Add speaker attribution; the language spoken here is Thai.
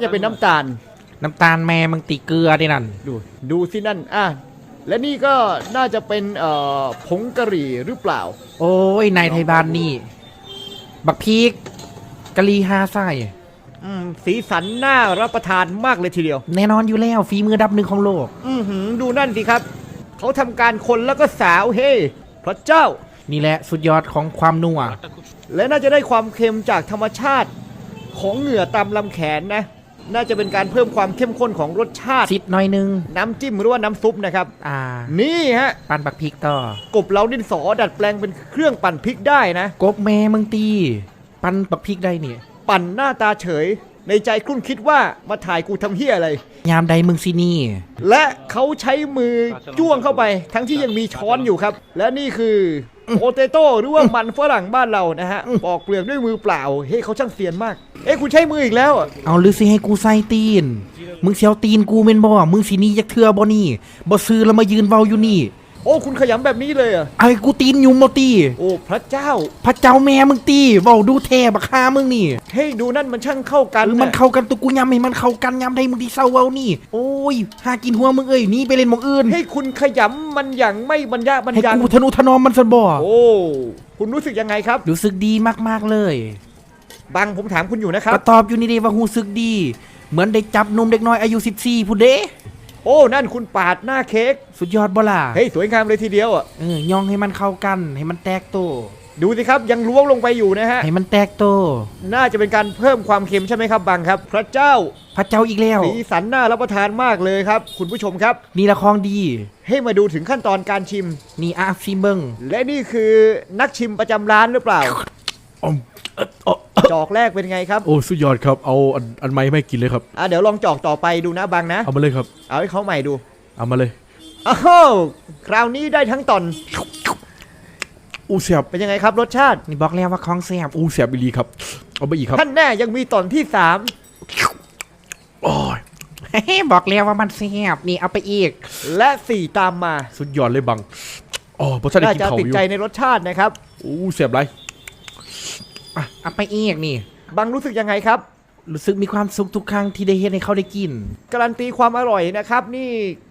Speaker 1: จะเป็นน้ำตาล
Speaker 2: แม่มึงตีเกลือดินั่น
Speaker 1: ดูสินั่นและนี่ก็น่าจะเป็นผงกะหรี่หรือเปล่า
Speaker 2: โอ้ยนายไทยบ้านนี่บักพีกกะหรี่5 ไส้
Speaker 1: สีสันน่ารับประทานมากเลยทีเดียว
Speaker 2: แน่นอนอยู่แล้วฝีมือดับหนึ่งของโลก
Speaker 1: ดูนั่นสิครับเขาทำการคนแล้วก็สาวเฮ้พระเจ้า
Speaker 2: นี่แหละสุดยอดของความนัว
Speaker 1: และน่าจะได้ความเค็มจากธรรมชาติของเหงื่อตามลำแขนนะน่าจะเป็นการเพิ่มความเข้มข้นของรสชาติ
Speaker 2: ซิดหน่อยนึง
Speaker 1: น้ำจิ้มหรือว่าน้ำซุปนะครับนี่ฮะ
Speaker 2: ปั่นบักพริกต่อก
Speaker 1: บเราดินสอดัดแปลงเป็นเครื่องปั่นพริกได้นะ
Speaker 2: กบแม่มึงตีปั่นบักพริกได้เนี่ย
Speaker 1: ปั่นหน้าตาเฉยในใจครุ่นคิดว่ามาถ่ายกูทำเหี้ยอะไร
Speaker 2: ยามใดมึงสินี่
Speaker 1: และเขาใช้มือจ้วงเข้าไปทั้งที่ยังมีช้อนอยู่ครับและนี่คือโปเตโต้หรือว่ามันฝรั่งบ้านเรานะฮะปอกเปลือกด้วยมือเปล่าเฮ้ยเขาช่างเซียนมากคุณใช้มืออีกแล้ว
Speaker 2: เอาหรือสิให้กูใส่ตีนมึงเสียวตีนกูเม่นบ่มึงสินี่ยักเทือบ่นี่บ่ซื้อแล้วมายืนเว้าอยู่นี่
Speaker 1: คุณขยำแบบนี้เลย
Speaker 2: ไอ้กูตีนยุ่มบ่ตี
Speaker 1: พระเจ้า
Speaker 2: แม่มึงตีเว้าดูแท้บักฮามึงนี่
Speaker 1: เฮ้ยดูนั่นมันช่างเข้ากัน
Speaker 2: มันเข้ากันตัวกูยำให้มันเข้ากันยำได้มึงที่เศร้าเว้านี่โอ้ยหากินหัวมึงนี่ไปเล่นหม่องอื่น
Speaker 1: ให้คุณขยำมันอย่างไม่บรรยะบรรยัง
Speaker 2: ให้กูทนุถนอมมันซะบ่
Speaker 1: คุณรู้สึกยังไงครับ
Speaker 2: รู้สึกดีมากๆเลย
Speaker 1: บังผมถามคุณอยู่นะครับ
Speaker 2: ก็ตอบอยู่นี่เด้ว่ารู้สึกดีเหมือนได้จับนมเด็กน้อยอายุ14ผู้เด้
Speaker 1: นั่นคุณปาดหน้าเค้ก
Speaker 2: สุดยอดบ่ล่ะ
Speaker 1: เฮ้ยสวยงามเลยทีเดียว
Speaker 2: ย่องให้มันเข้ากันให้มันแตกโต
Speaker 1: ดูสิครับยังล้วงลงไปอยู่นะฮะ
Speaker 2: ให้มันแตกโต
Speaker 1: น่าจะเป็นการเพิ่มความเค็มใช่ไหมครับบังครับพระเจ้า
Speaker 2: อีกแล้ว
Speaker 1: สีสันน่ารับประทานมากเลยครับคุณผู้ชมครับ
Speaker 2: นี่ละของดี
Speaker 1: ให้มาดูถึงขั้นตอนการชิม
Speaker 2: นี่ชิมเบิ้ง
Speaker 1: และนี่คือนักชิมประจำร้านหรือเปล่าจอกแรกเป็นไงครับ
Speaker 3: สุดยอดครับเอาอันใหม่ไม่กินเลยครับ
Speaker 1: เดี๋ยวลองจอกต่อไปดูนะบังนะ
Speaker 3: เอามาเลยครับ
Speaker 1: เอาให้เขาใหม่ดู
Speaker 3: เอามาเลย
Speaker 1: คราวนี้ได้ทั้งตอน
Speaker 3: เสียบ
Speaker 1: เป็นยังไงครับรสชาติ
Speaker 2: นี่บอกแล้วว่าของเสียบ
Speaker 3: เสียบอีหลีครับเอาไปอีกครับ
Speaker 1: ท่านแน่ยังมีตอนที่
Speaker 3: 3
Speaker 2: บอกแล้วว่ามันเสียบนี่เอาไปอีก
Speaker 1: และ4ตามมา
Speaker 3: สุดยอดเลยบังเพราะฉะนั้น
Speaker 1: น่าจะติดใจในรสชาตินะครับ
Speaker 3: เสียบไร
Speaker 2: เอาไปอีกนี่
Speaker 1: บังรู้สึกยังไงครับ
Speaker 2: รู้สึกมีความสุขทุกครั้งที่ได้เห็นให้เขาได้กิน
Speaker 1: การันตีความอร่อยนะครับนี่